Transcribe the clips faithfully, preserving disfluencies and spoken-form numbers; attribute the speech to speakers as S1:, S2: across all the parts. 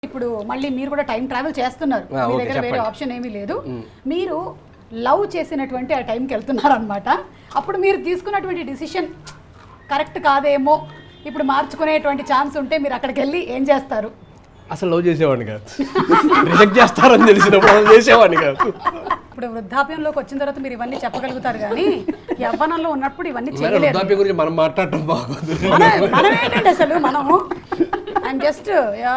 S1: ఇప్పుడు మళ్ళీ మీరు కూడా టైం ట్రావెల్ చేస్తున్నారు,
S2: ఆ,
S1: మీ
S2: ఓకే,
S1: దగ్గర వేరే
S2: చెప్పండి.
S1: ఆప్షన్ ఏమీ లేదు. మీరు లవ్ చేసినటువంటి ఆ టైంకి వెళ్తున్నారు అనమాట. అప్పుడు మీరు తీసుకున్నటువంటి డిసిషన్ కరెక్ట్ కాదేమో, ఇప్పుడు మార్చుకునేటువంటి ఛాన్స్ ఉంటే మీరు అక్కడికి వెళ్ళి ఏం చేస్తారు?
S2: అసలు లవ్ చేసేవాడిని కాదు, రిజెక్ట్ చేస్తారని తెలిసినప్పుడు అసలు చేసేవాడిని కాదు.
S1: ఇప్పుడు వృద్ధాప్యంలోకి వచ్చిన తర్వాత మీరు ఇవన్నీ చెప్పగలుగుతారు, కానీ యవ్వనంలో ఉన్నప్పుడు ఇవన్నీ
S2: మరి
S1: చేయలేరు.
S2: వృద్ధాప్యం గురించి మనం మాట్లాడటం బాగోదు.
S1: మనం మనం ఏంటంటే అసలు మనము ఐఎమ్ జస్ట్ యా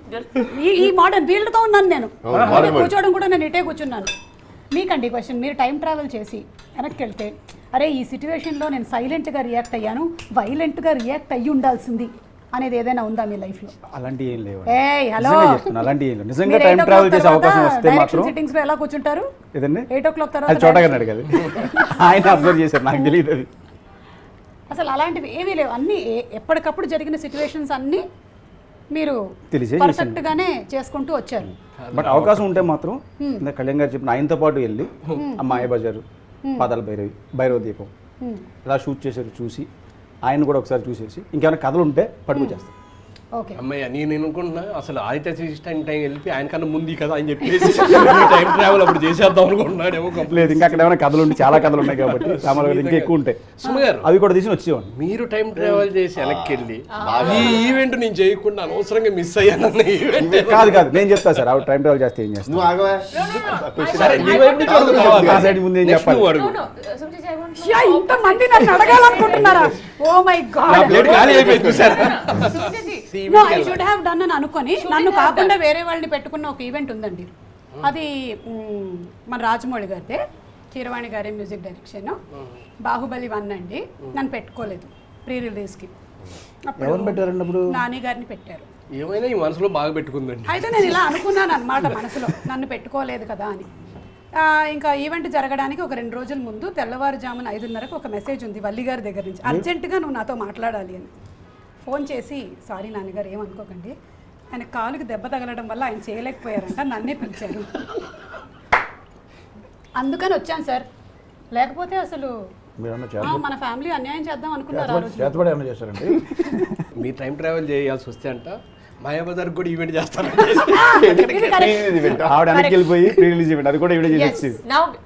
S1: ఈ ఈ మోడర్న్ ఫీల్డ్తో ఉన్నాను నేను. అలాగే కూర్చోవడం కూడా నేను ఇటే కూర్చున్నాను. మీకండి క్వశ్చన్, మీరు టైం ట్రావెల్ చేసి వెనక్కి వెళ్తే, అరే ఈ సిచ్యువేషన్లో నేను సైలెంట్గా రియాక్ట్ అయ్యాను, వైలెంట్గా రియాక్ట్ అయ్యి ఉండాల్సింది అనేది ఏదైనా ఉందా మీ లైఫ్లో?
S3: అలాంటి ఏం లేవు.
S1: ఏయ్ హలో,
S3: నిజంగా చెప్తున్నా, అలాంటి ఏం లేవు. నిజంగా టైం ట్రావెల్ చేసే అవకాశం వస్తే మాత్రం
S1: సిట్టింగ్స్ లో ఎలా కూర్చుంటారు?
S3: ఏదండి
S1: ఎయిట్ ఓ క్లాక్
S3: అది
S1: తర్వాత
S3: చోటగా అడగదు, ఆయన అబ్జర్వ్ చేశారు, నాకు తెలియదు అది.
S1: అసలు అలాంటివి ఏమీ లేవు. అన్ని ఏ- ఎప్పటికప్పుడు జరిగిన సిచ్యువేషన్స్ అన్ని మీరు
S3: తెలిసే
S1: పర్ఫెక్ట్ గానే చేసుకుంటూ వచ్చారు.
S3: బట్ అవకాశం ఉంటే మాత్రం ఇందాక కళ్యాణ్ గారు చెప్పిన ఆయనతో పాటు వెళ్ళి ఆ మాయ బజారు, పాదాల భైరవి, భైరవ దీపం ఇలా షూట్ చేశారు చూసి ఆయన కూడా ఒకసారి చూసేసి ఇంకేమైనా కథలు ఉంటే పట్టుకొచ్చేస్తాం.
S1: ఓకే,
S2: అమ్మయ్య నేను అనుకుంటున్నా అసలు ఆదిత్య టైం టైం వెళ్ళి ఆయన కన్నా ముందు కదా అని చెప్పేసి టైం ట్రావెల్ అప్పుడు చేసేద్దాం అనుకుంటున్నాడేమో.
S3: లేదు, ఇంకా అక్కడ ఏమైనా కథలు ఉంటే చాలా కథలు ఉన్నాయి కాబట్టి రామారావు ఇంకా ఎక్కువ ఉంటాయి,
S2: సుమ గారు,
S3: అవి కూడా తీసి వచ్చేవాడిని.
S2: మీరు టైం ట్రావెల్ చేసి వెనక్కి వెళ్ళి ఈ ఈవెంట్ నేను చేయకుండా అనవసరంగా మిస్ అయ్యానన్న ఈవెంట్
S3: కాదు కాదు నేను చెప్తా సార్, ఆవిడ టైం ట్రావెల్ చేస్తే ఏం చేస్తాను.
S4: నువ్వు ఆగవా?
S2: సరే నీ వైపు నుంచి అడుగు కావాలి.
S3: ఆ సైడ్ ముందు ఏం
S2: Next
S3: చెప్పాలి?
S2: నువ్వు అడుగు.
S1: యా, ఇంతమంది నన్ను అడగాలనుకుంటున్నారా? ఓ మై
S2: నా
S1: గాడ్,
S2: ప్లేట్ ఖాళీ అయిపోయింది చూసారా?
S1: No I should have done అని అనుకొని నన్ను కాకుండా వేరే వాళ్ళని పెట్టుకున్న ఒక ఈవెంట్ ఉందండి. అది మ్, మన రాజమౌళి గారితే, కీరవాణి గారి మ్యూజిక్ డైరెక్షన్, బాహుబలి వన్ అండి. నన్ను పెట్టుకోలేదు ప్రీ రిలీజ్కి.
S3: ఎవరు పెట్టారండి అప్పుడు?
S1: నాని గారిని పెట్టారు.
S2: ఏమైనా ఈ మనసులో బాగా పెట్టుకుందండి.
S1: అయితే నేను ఇలా అనుకున్నాను అనమాట మనసులో, నన్ను పెట్టుకోలేదు కదా అని. ఆ, ఇంకా ఈవెంట్ జరగడానికి ఒక రెండు రోజుల ముందు తెల్లవారుజామున ఐదున్నరకు ఒక మెసేజ్ ఉంది వల్లి గారి దగ్గర నుంచి, అర్జెంటుగా నువ్వు నాతో మాట్లాడాలి అని. ఫోన్ చేసి, సారీ నాన్నగారు ఏమనుకోకండి, ఆయన కాలుకి దెబ్బ తగలడం వల్ల ఆయన చేయలేకపోయారంట, నన్నే పిలిచారు, అందుకని వచ్చాను సార్. లేకపోతే అసలు ఆ, మన ఫ్యామిలీ అన్యాయం చేద్దాం అనుకున్నారు ఆ రోజు.
S4: చేతబడి ఏమైనా చేస్తారండి?
S2: మీ టైం ట్రావెల్ చేయాల్సి వస్తే అంట మాయాబజార్ కూడా ఈవెంట్ చేస్తాను.
S1: ఇది correct.
S3: ఆవిడ వెనక్కి వెళ్ళిపోయి ప్రీ రిలీజ్ ఈవెంట్ అది కూడా ఈవిడ చేసి
S1: Yes.
S3: వచ్చింది.
S5: Now